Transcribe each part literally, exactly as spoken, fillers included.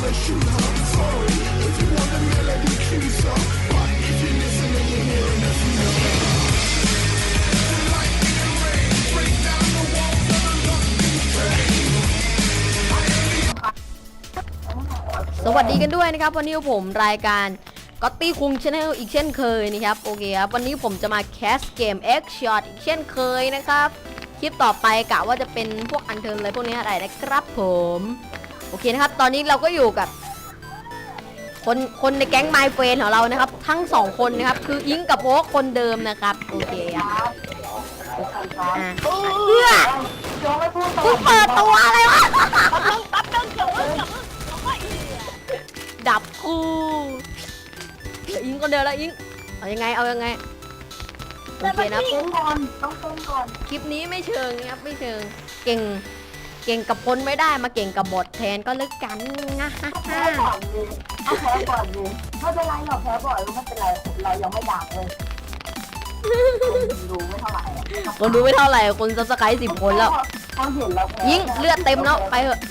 สวัสดีกันด้วยนะครับวันนี้ผมรายการก็ตี้คุงชาแนลอีกเช่นเคยนะครับโอเคครับวันนี้ผมจะมาแคสเกม X Shot อีกเช่นเคยนะครับคลิปต่อไปกะว่าจะเป็นพวกอันเทิร์นอะไรพวกนี้อะไรนะครับผมโอเคนะครับตอนนี้เราก็อยู่กับคนคนในแก๊งไมเฟรนของเรานะครับทั้งสองคนนะครับคืออิงกับโอ๊คคนเดิมนะครับโอเคครับอ่ะเพื่อกูเปิดตัวอะไรวะดับกูเดี๋ยวอิงคนเดียวแล้วอิงเอายังไงเอายังไงโอเคนะคลิปนี้ไม่เชิงครับไม่เชิงเก่งเก่งกับคนไม่ได้มาเก่งกับบทแทนก็เลิกกันนะฮะแพ้ก่อนดิแพ้ก่อนดิไม่เป็นไรหรอกแพ้บ่อยไม่เป็นไรเรายังไม่ดังเลยคนดูไม่เท่าไหร่คนดูไม่เท่าไหร่คนซับสไครต์สิบคนแล้วยิงเลือดเต็มแล้วไปเถอะ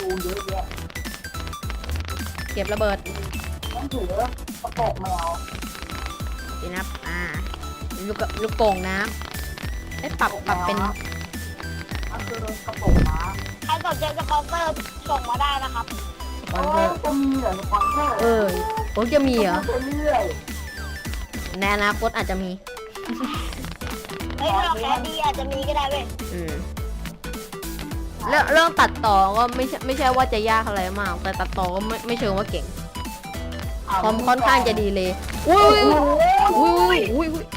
เก็บระเบิดต้องถือกระโปรงแมวดีนะอ่าลูกลูกโป่งน้ำไอ้ปรับปรับเป็นอันคือกระโปรงน้ำใครสนใจสปอนเซอร์ส่งมาได้นะครับสปอนเซอร์จะมีเหรอสปอนเซอร์เออโอ้จะมีเหรอในอนาคตอาจจะมีเฮ้ยเราแค่ดีอาจจะมีก็ได้เว้ยอืมเรื่องเรื่องตัดต่อก็ไม่ใช่ไม่ใช่ว่าจะยากอะไรมากแต่ตัดต่อก็ไม่ไม่เชิงว่าเก่งคอมค่อนข้างจะดีเลยอุ้ยอุ้ยอุ้ยอุ้ย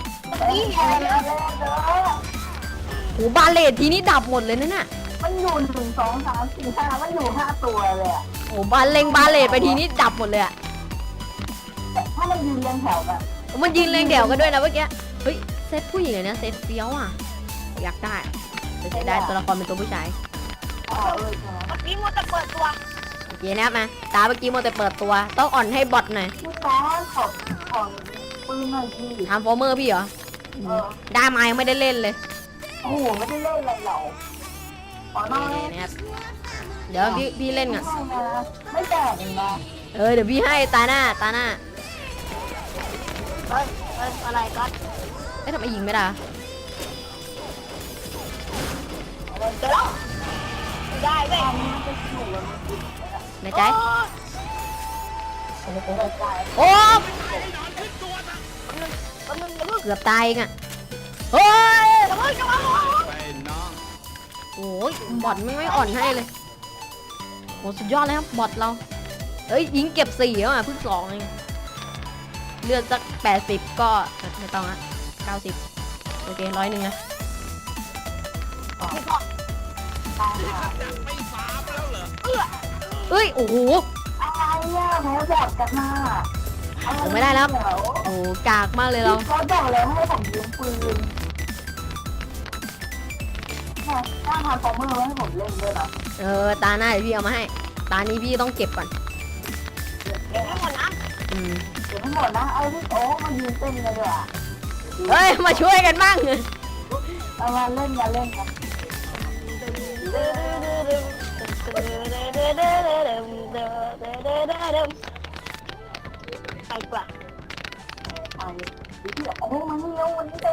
โหบาเลตทีนี้ดับหมดเลยนะน่ะมันอยู่หนึ่งสองสามสี่ห้ามันอยู่ห้าตัวเลยอ่ะโหบาเลงบาเลตไปทีนี้ดับหมดเลยอ่ะถ้ามันยืนเรียงแถวกันมันยืนเรียงแถวกันด้วยนะเมื่อกี้เฮ้ยเซตผู้หญิงเลยนะเซตเฟี้ยวอ่ะอยากได้แต่เสียดายตัวละครเป็นตัวผู้ชายเมื่อกี้มัวแต่เปิดตัวโอเคนะครับมาตาเมื่อกี้มัวแต่เปิดตัวต้องอ่อนให้บอทหน่อยพี่ซ้อนขอบของปืนหน่อยพี่ทำฟอร์เมอร์พี่เหรอได้มายังไม่ได้เล่นเลยโอ้โหไม่ได้เล่นอะไรหรอกนะครับเดี๋ยวพี่พี่เล่นก่อนไม่แตกนะเออเดี๋ยวพี่ให้ตาหน้าตาหน้าเฮ้ยเฮ้ยอะไรก็เอ๊ะทำไมยิงไม่ได้เดี๋ยวได้เว้ยในใจโอ้เกือบตายอ่ะเฮ้ยโอ้ยบอทไม่ไม่อ่อนให้เลยโหสุดยอดเลยครับบอทเราเอ้ยยิงเก็บสี่แล้วอ่ะเพิ่งสองเองเลือดสักแปดสิบก็ไม่ต้องอ่ะเก้าสิบโอเคร้อยหนึ่งนะเอ้ยโอ้โหอะไรอ่ะแพ้บอดกันมาผมไม่ได้แล้วโอ้กากมากเลยเราเขาบอกเลยให้ผมยิงปืนถ้าทำฟอร์เมอร์ให้ผมเล่นด้วยนะเออตาหน้าเดี๋ยวพี่เอามาให้ตานี้พี่ต้องเก็บก่อนเก็บให้หมดนะอืมเก็บให้หมดนะเอาที่โต๊ะมายืนเต้นกันด้วยอ่ะเฮ้ยมาช่วยกันบ้างเอามาเล่นมาเล่นกันไปกว่าไปที่โอ้มันเลี้ยววันนี้เต็ม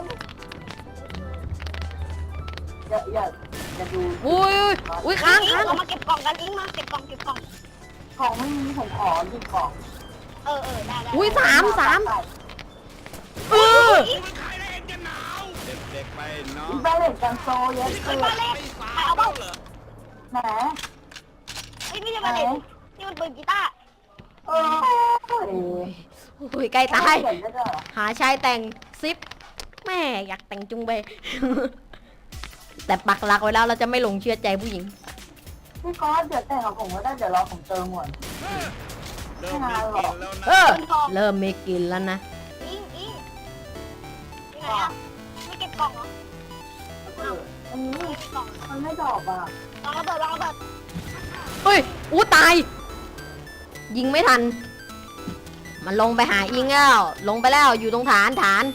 อย่าอย่าอย่าดูอุ้ยอุ้ยค้างค้างเรามาเก็บกล่องกันอิงมาเก็บกล่องเก็บกล่องของไม่มีผมขอดูกล่องเออเออได้ได้อุ้ยสามสามเออเด็กๆไปเนาะบาเล็ตกันโซเยอะเลยบาเล็ตเอาบ้างไหนไอ้ไม่ใช่บาเล็ตนี่มันปืนกีตาร์โอ้ยโอ้ยใกล้ตายหาชายแต่งซิปแม่อยากแต่งจุงเบยแต่ปักหลักไว้แล้วเราจะไม่หลงเชื่อใจผู้หญิงพี่ก๊อตเดี๋ยวแต่งกับผมก็ได้เดี๋ยวรอผมเติมหมดเริ่มมีกินแล้วนะเออเริ่มมีกินแล้วนะอิงอิงยังไงอ่ะไม่เก็บกล่องเหรออันนี้มันไม่ดอกอ่ะวางระเบิดวางระเบิดเฮ้ยอู้ตายยิงไม่ทันมันลงไปหาอิงแล้วลงไปแล้วอยู่ตรงฐานฐาน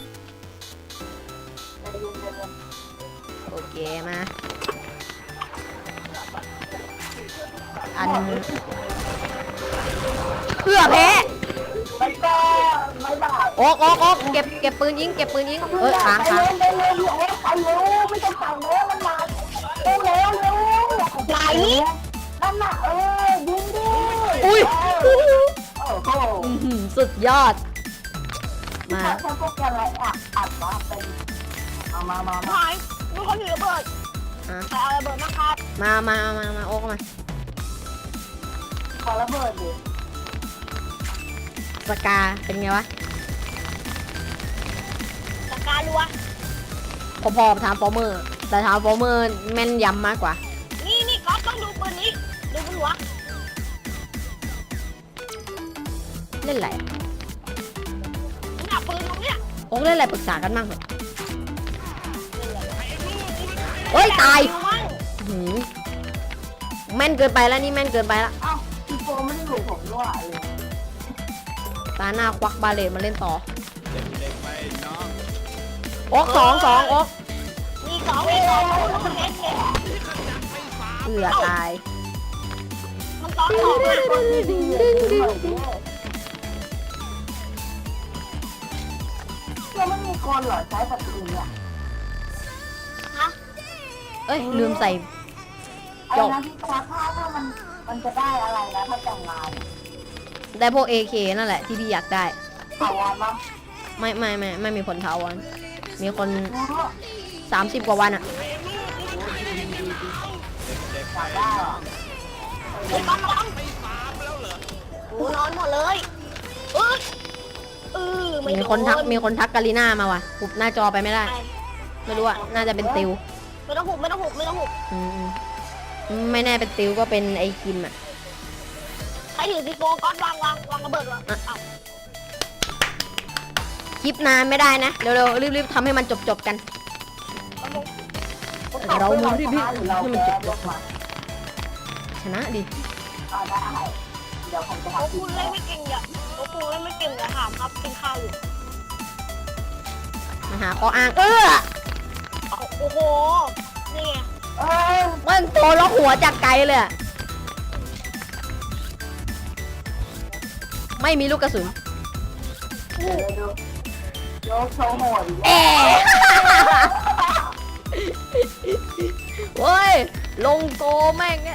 โอเคมาอันเพื่อแพ้ไปก็ไม่ได้โอ๊กโอ๊กโอ๊กเก็บเก็บปืนยิงเก็บปืนยิงเออค้างไปค้างเร็วไปเร็วไปเร็วไม่ต้องสั่งแล้วมันมาเร็วเร็วเร็วไหนนั่นน่ะเออยิงดิอุ้ยโอ้โหอื้อหือสุดยอดมาถ้าพวกแกอะไรอัดอัดมาเป็นเอามามามาหายมีคนถือระเบิดอ่ะใครเอาระเบิดมาครับมามามามาโอ๊กมาขอระเบิดดิสกาเป็นไงวะจัดการรัวพอๆทามฟอร์เมอร์แต่ทามฟอร์เมอร์แม่นยำมากกว่านี่นี่ก๊อฟต้องดูปืนนี้ดูบนหัวเล่นอะไรอะนี่หนักปืนตรงเนี้ยโอ๊กเล่นอะไรปรึกษากันบ้างเหรอเฮ้ยตายดูมั่งอื้อหือแม่นเกินไปแล้วนี่แม่นเกินไปแล้วเอ้าพี่โฟไม่ได้อยู่ผมด้วยเลยตาหน้าควักบาเลตมาเล่นต่อเด็กๆไปน้องโอ๊กสองสองโอ๊กมีสองมีสองมันเล็กเล็กเอือตายมันซ้อนสองอ่ะคนดีๆเลยหน่อยดิยังไม่มีคนเหรอใช้ปัจจุบันเนี่ยฮะเอ้ยลืมใส่ไอ้นะที่ตาค่าถ้ามันมันจะได้อะไรนะถ้าแต่งงานได้พวก เอ เค นั่นแหละที่พี่อยากได้ถาวรมั้งไม่ไม่ไม่ไม่มีคนเทาวันมีคนรู้สามสิบกว่าวันอะเด็กๆไปได้น้เหรอองไอ้ก๊อฟร้องโอ้นอนหมดเลยเออเออไม่มีโดคนทักมีคนทักกาลิน่ามาว่ะหุบหน้าจอไปไม่ได้ ไม่รู้อะน่าจะเป็นติวไม่ต้องหุบไม่ต้องหุบไม่ต้องหุบอืมอืมไม่แน่เป็นติวก็เป็นไอคิมอะใครถือซีโฟก๊อฟวางวางวางระเบิดวางเอาคลิปนานไม่ได้นะเร็วๆรีบๆทำให้มันจบๆกัน เรามุนที่พี่เราให้มันแก้จบลงมาชนะดิอ่าได้เดี๋ยวผมจะโอ้ทำคุณเล่นไม่เก่งอย่าโอ้คุณเล่นไม่เก่งอย่าถามครับกินข้าวอยู่มาหาข้ออ้างเออโอ้โหนี่ไงเออมันโตแล้วหัวจากไกลเลยอะไม่มีลูกกระสุนเดี๋ยวดูโยกโชว์โหดอีกเอ๊เว้ยลงโกแม่งเนี่ย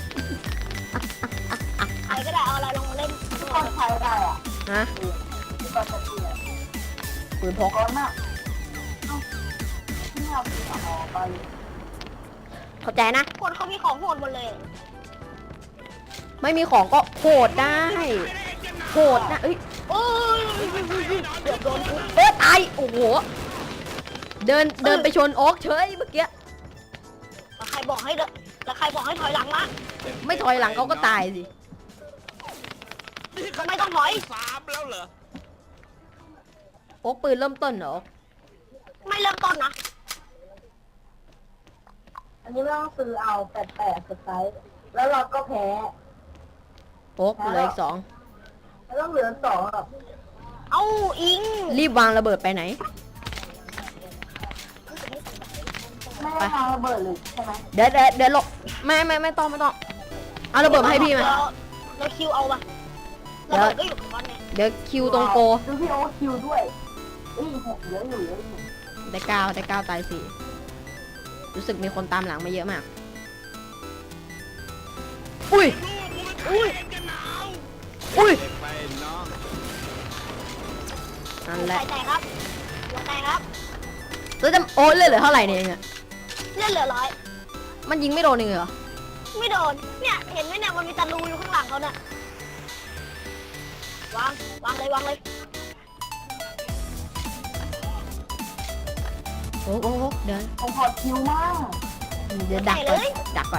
ใครก็ได้เอาอะไรลงมาเล่นที่คนใช้ได้อ่ะฮะที่คนจะเปลี่ยนปืนพกก้อนอ่ะเอ้าไม่เอาไปต่อไปเข้าใจนะคนเขามีของโหดหมดเลยไม่มีของก็โหดได้โหดนะเอ้ยโอ้ยเกือบโดนกูเอ้ยตายโอ้โหเดินเดินไปชนโอ๊กเฉยเมื่อกี้แล้วใครบอกให้เดนแล้วใครบอกให้ถอยหลังมาไม่ถอยหลังเขาก็ตายสิไม่ต้องถอยสามแล้วเหรอโอ๊กปืนเริ่มต้นเหรอไม่เริ่มต้นนะอันนี้ไม่ต้องซื้อเอาแปดแปดสไตล์แล้วเราก็แพ้โอ๊กเหลืออีกสองแล้วต้องเหลือสองอ่ะเอาอิงรีบวางระเบิดไปไหนไม่ได้ทางระเบิดเลยใช่ไหมเดี๋ยวเดี๋ยวเดี๋ยวหลบไม่ไม่ไม่ต้องไม่ต้องเอาระเบิดมาให้พี่มาเราเราคิวเอาปะเดี๋ระยวเบิดก็อยู่กับมันเนี่ยเดี๋ยวคิวตรงโกดูพี่โอคิวด้วยเอ้ยหกเยอะอยู่เยอะอยู่ได้เก้าได้เก้าตายสี่รู้สึกมีคนตามหลังมาเยอะมากอุ้ยอุ้ยอุ้ยเด็กไปน้องนั่นแหใครละแตกครับหัวแตกครับแล้วจะโอ้ยเลือดเหลือเท่าไหร่เนี่ยเองอะเลือดเหลือร้อยมันยิงไม่โดนเองเหรอไม่โดน เนี่ยเห็นไหมเนี่ยมันมีตะลูอยู่ข้างหลังเขาเนี่ยวางวางเลยวางเลยโอ้โหเดี๋ยวผมขอคิวมากเดี๋ยวดักก่อนดักก่อน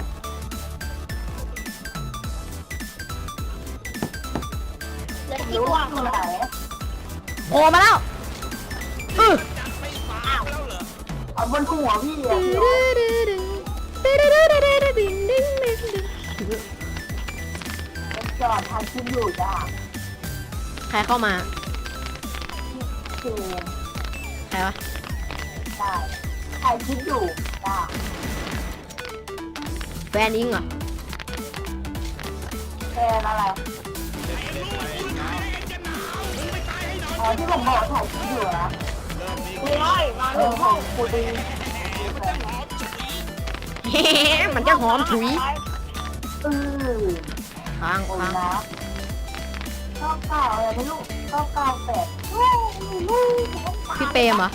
เหลือคิกี่วตัวอยู่ไหนโผล่มาแล้วอื้ออ้าวเอาบนหัวพี่อ่ะพี่โอจอดทางคิวอยู่จ้าใครเข้ามาคิวใครวะได้ถ่ายคลิปอยู่จ้าแฟนอิงเหรอแฟนอะไรเด็กเด็กๆไปน้องอ๋อที่ผมบอกถ่ายคลิปอยู่นะเริ่มมีคุยน้อยมาเอหนึ่อง ขห้ออง งครูดีเฮ้มันจะหอมถุยอือค้างโอ้ยค้างนะชอบเก่าอะไรไม่รู้ชอบเก่าแปดพี่เปรมเหรอ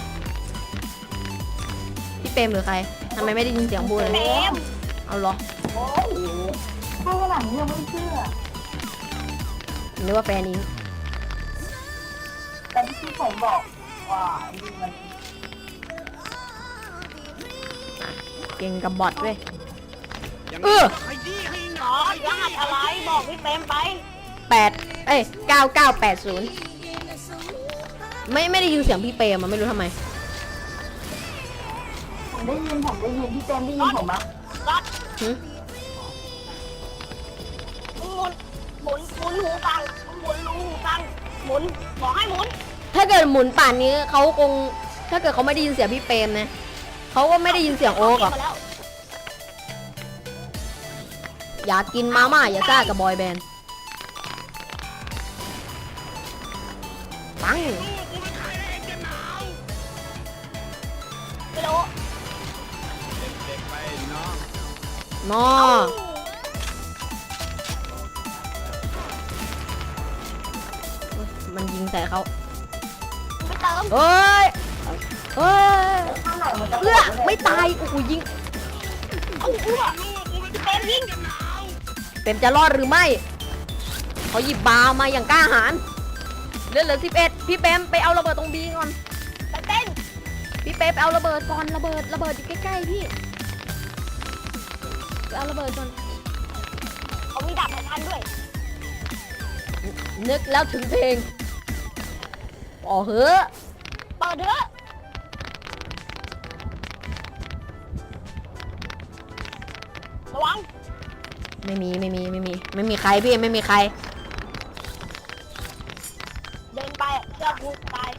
พี่เปรมหรือใครทำไมไม่ได้ยินเสียงพูดเลยเต็มเอาเหรอโอ้ยถ้าขนาดนี้ยังไม่เชื่อนึกว่าแฟนอิงแต่ที่ผมบอกว่าดีมันเก่งกับบอทเว้ยอย่างเอนี้อขยี้ให้หหน่รออย รหัสอะไรบอกพี่เต็มไปแปดเอ้ยเก้าเก้าแปดศูนย์ไม่ไม่ได้ยินเสียงพี่เปรมอะไม่รู้ทำไมผมได้ยินผมได้ยินพี่เต็มได้ยินผมไหมรัดหึหมุนหมุนหมุนหูฟังหมุนรูหูฟังหมุนบอกให้หมุนถ้าเกิดหมุนป่านนี้เขาคง ถ้าเกิดเขาไม่ได้ยินเสียงพี่เปรมนะเขาก็ไม่ได้ยินเสียงโอ๊กหรอกมาแล้วอยากกินมาม่าอย่าซ่ากับบอยแบนด์ปังไม่รู้เด็กๆไปน้องนอมันยิงใส่เขาไม่เติมเฮ้ยเฮ้ยข้างไหนมันจะเอื้อไม่ตายโอ้โหยิงเอาหัวพี่เต็มยิงเต็มจะรอดหรือไม่เขาหยิบบามาอย่างกล้าหาญเหลือเหลือสิบเอ็ดพี่เปรมไปเอาระเบิดตรงบีก่อนเต้นพี่เปรมไปเอาระเบิดก่อนระเบิดระเบิดอยู่ใกล้ๆพี่ไปเอาระเบิดก่อนเขามีดาบให้ทันด้วยนึกแล้วถึงเพลงอ๋อเฮ้อเปิดเถอะระวังไม่มีไม่มีไม่มีไม่มีใครพี่ไม่มีใครเดินไปเชือกผูกตาย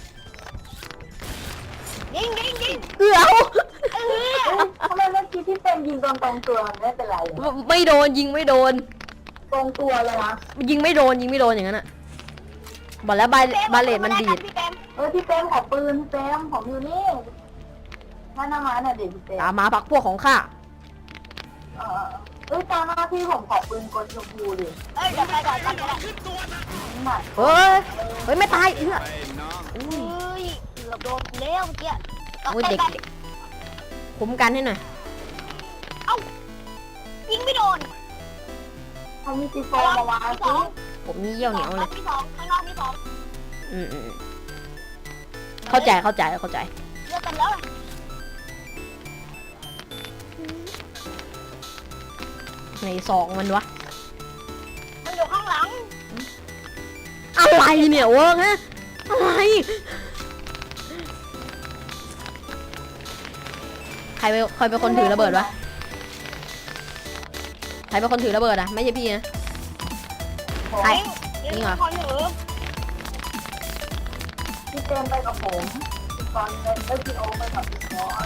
ยิงยิงยิงเอื้อเออทำไมเมื่อกี้พี่เต็มยิงตรงตรงตัวมันไม่เป็นไรเลยไม่โดนยิงไม่โดนตรงตัวเลยนะยิงไม่โดนยิงไม่โดนอย่างนั้นอะบอกแล้วบาบาเลตมันดีดพี่เต็มเออพี่เต็มขอปืนพี่เต็มผมอยู่นี่ถ้าหน้ามาน่ะเด็กพี่เต็มตามมาพักพวกของข้าเออเอ้ยตามหน้าพี่ผมขอปืนกลชมพูดิเอ้ยเดี๋ยวไปก่อนกันก็ได้นี่หน่อยเฮ้ยเฮ้ยไม่ตายเอื้อไปน้องเฮ้ยเกือบโดนเลี้ยวเมื่อกี้โอ้ยเด็กเด็กคุ้มกันให้หน่อยเอ้ายิงไม่โดนเขามีซีโฟมาวางที่สสิองผมนี่เยี่ยวเหนียวเลยที่สองข้างนอกที่สองอืมอืมเข้าใจเข้าใจเข้าใจเลือกกันแล้วในซองมันวะมันอยู่ข้างหลังอะไรเนี่ยเวิร์กฮะอะไรใครเป็นใครเป็นคนถือระเบิดวะใครเป็นคนถือระเบิดอะไม่ใช่พี่นะ ใครยิงจริงเหรอคนถือพี่เต็มไปกับผมพี่กอนเล่นเอ้ยพี่โอไปกับพี่กอน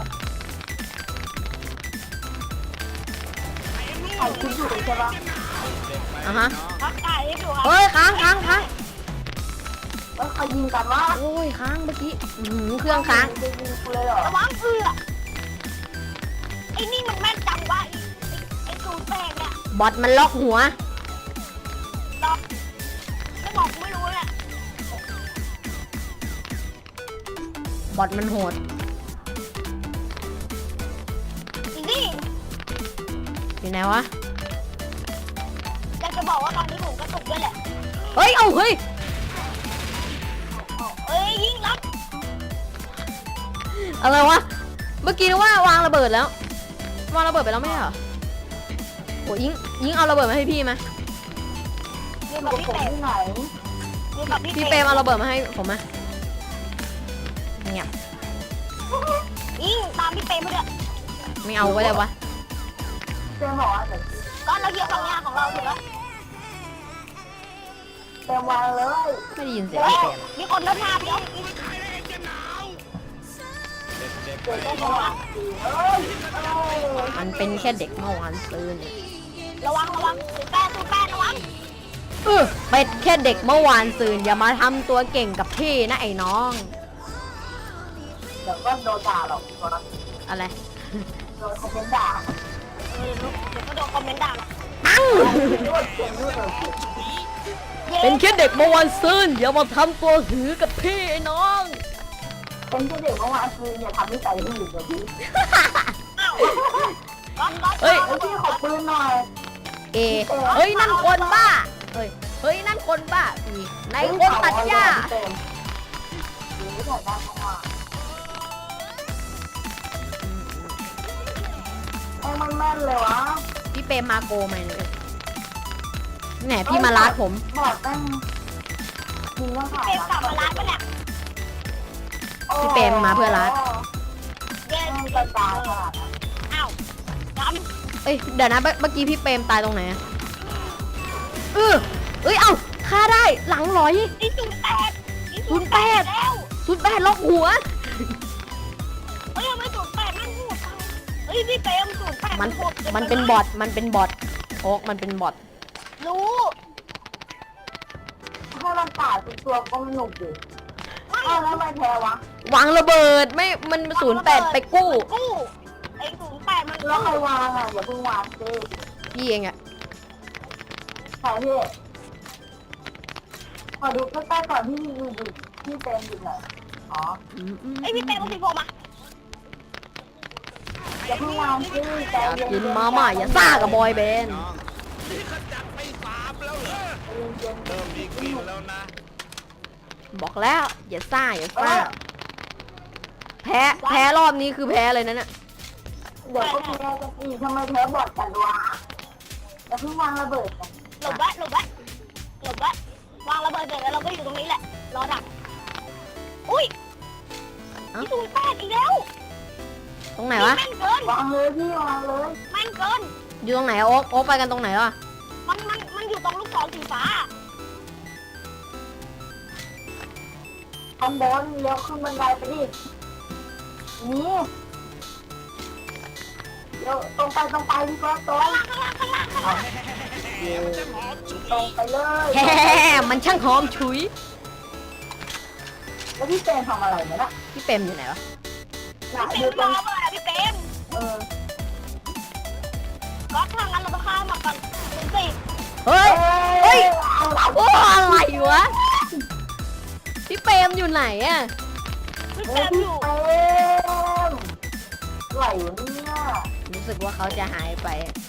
ถ่ายคลิปอยู่ใช่ปะเด็กๆไปอ่ะฮะน้องพักไก่ให้ดูครับเฮ้ยค้างค้างค้างเอ้ยเขายิงกันว่าโอ้ยค้างเมื่อกี้อื้อหือเครื่องค้างจะยิงกูเลยเหรอระวังเอือไอ้นี่มันแม่นจังวะไอ้ไอ้สูตรแป้งเนี่ยบอทมันล็อกหัวดอกไม่บอกกูไม่รู้เนี่ยบอทมันโหดอีนี่อยู่ไหนวะอยากจะบอกว่าตอนนี้ผมกระตุกด้วยแหละเฮ้ย เอาเฮ้ยเอ้ยยิงรับอะไรวะ เมื่อกี้นึกว่าวางระเบิดแล้ว วางระเบิดไปแล้วไม่ใช่เหรอโอ้ยิงยิงเอาระเบิดมาให้พี่ไหมอยู่อกับยู่พี่กับผมเปรมที่ไหนอยู่กับพี่พี่เปเปรรมมเอาระเบิดมาให้ผมไหมเงียบยิงตามพี่เปรมไปด้วยไม่เอาก็ได้วะเต็มบอกว่าเดี๋ยวก็เราเกี่ยวกับงานของเราถูกแล้วเต็มวางเลยไม่ได้ยินเสียงเฮ้พี่ยเปรมอะมีคนรถมาเดี๋ยวเด็กๆไปเต็มก็น้วาองงสิเอ้ยเอ้ยมันเป็นแค่เด็กเมื่อวานซืนระวังระวังสูตรแป้งสูตรแป้งระวังเเออเป็ดแค่เด็กเมื่อวานซืนอย่ามาทำตัวเก่งกับพี่นะไอ้น้องเดี๋ยวก็โดนด่าหรอกอะไรโดนคอมเมนต์ด่าเออเดี๋ยวก็โดนคอมเมนต์ด่าหรอกปังนวดเก่งนวดเลยเป็นแค่เด็กเมื่อวานซืนอย่ามาทำตัวหือกับพี่ไอ้น้องเป็นแค่เด็กเมื่อวานคืออย่าทำนิสัยที่อื่นเลยพี่ก๊อฟก๊อฟเฮ้ยเฮ้ยพี่ขอปืนหน่อยเอ เฮ้ยนั่นคนบ้า เฮ้ย เฮ้ยนั่นคนบ้าอีในคนตัดหญ้าเต็มหรือถ่ายได้เมื่อวานไอ้มันแม่นเลยวะพี่เปรมมาโกไหมเนี่ยแหนพี่มาลาดผมบอกแม่งมึงต้องถ่ายเกมกลับมาร้านปะเนี่ยพี่เปรมมาเพื่อรัดเย้แม่งกระจายขนาดนั้นอ้าวจเอ้ยเดี๋ยวนะเมื่อเมื่อกี้พี่เปรมตายตรงไหนอะเออเอ้ยเอ้าฆ่าได้หลังหลอยำนี่ศูนย์แปดนี่ศูนย์แปดแล้วสุดแปดล็อกหัวเฮ้ยทำไมศูนย์แปดมันโหดจังเฮ้ยพี่เปรมศูนย์แปดมันโหดกิมันเป็นบอทมันเป็นบอทโอ๊กมันเป็นบอทรู้ให้มันตายเป็นตัวก็ไม่หนุกดิอ้าวแล้วทำไมแพ้วะวางระเบิดไม่มันศูนย์แปดไปกู้กู้ไอ้ศูนย์แปดมันแล้วใครวางอ่ะอย่าเพิ่งวางสิพี่เองอะใครพี่ขอดูใกล้ๆก่อนที่มีอยู่ที่เต็มอยู่หน่อยอ๋ออืมอืมไอ้พี่เปรมเอาสีผมอ่ะอย่าเพิ่งวางสิใจอยากเย็นๆกินมาม่าอย่าซ่ากับบอยเบนน้องนี่ขจัดไปสามแล้วเหรอใจเย็นๆเริ่มมีกลิ่นแล้วนะบอกแล้วอย่าซ่าอย่าซ่าแพ้แพ้รอบนี้คือแพ้เลยนะเนี่ยเดี๋ยวก็แพ้กันอีกทำไมแพ้บอดกันวะอย่าเพิ่งวางระเบิดกันหลบไว้หลบไว้หลบไว้วางระเบิดเสร็จแล้วเราก็อยู่ตรงนี้แหละรอดักอุ้ยนี่ศูนย์แปดอีกแล้วตรงไหนวะแม่นเกินวางเลยพี่วางเลยแม่นเกินอยู่ตรงไหนอะโอ๊กโอ๊กไปกันตรงไหนวะมันมันมันอยู่ตรงลูกศรสีฟ้าคอมบอลเลี้ยวขึ้นบันไดไปดินี่เดี๋ยวตรงไปตรงไปพี่ก็ตรงข้างล่างข้างล่างข้างล่างเดี๋ยวมันจะหอมฉุยตรงไปเลยแฮ่มันช่างหอมฉุยแล้วพี่เจนทำอะไรเนี่ยนะพี่เปรมอยู่ไหนวะน่ะพี่อยู่เปตรรงมรอเบอร์อะพี่เปรมเออก็ทางนั้นเราต้องข้ามมาก่อนถึงสี่เฮ้ย เฮ้ยเอาละโอ้อะไรวะพี่เปรมอยู่ไหนอะพี่เอเปรอมพี่อยู่เต็มไหลวะเนี่ยรู้สึกว่าเขาจะหายไปอะ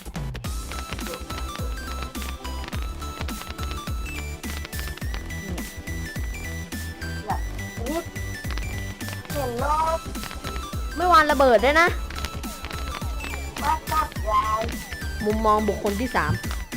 นี่เห็นรถไม่วางระเบิดด้วยนะมาจับยายมุมมองบุคคลที่สาม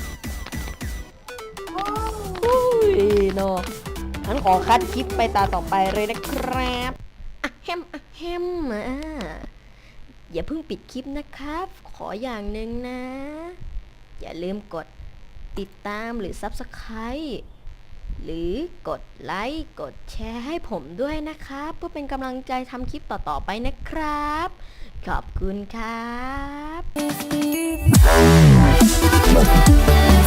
โอ้ยอุ้ยโนงั้นขอคัดคลิปไปตาต่อไปเลยนะครับอะแฮมอะแฮมอ่ะอย่าเพิ่งปิดคลิปนะครับ ขออย่างหนึ่งนะ อย่าลืมกดติดตามหรือ ซับสไครบ์ หรือกดไลค์กดแชร์ให้ผมด้วยนะครับ เพื่อเป็นกำลังใจทำคลิปต่อๆไปนะครับ ขอบคุณครับ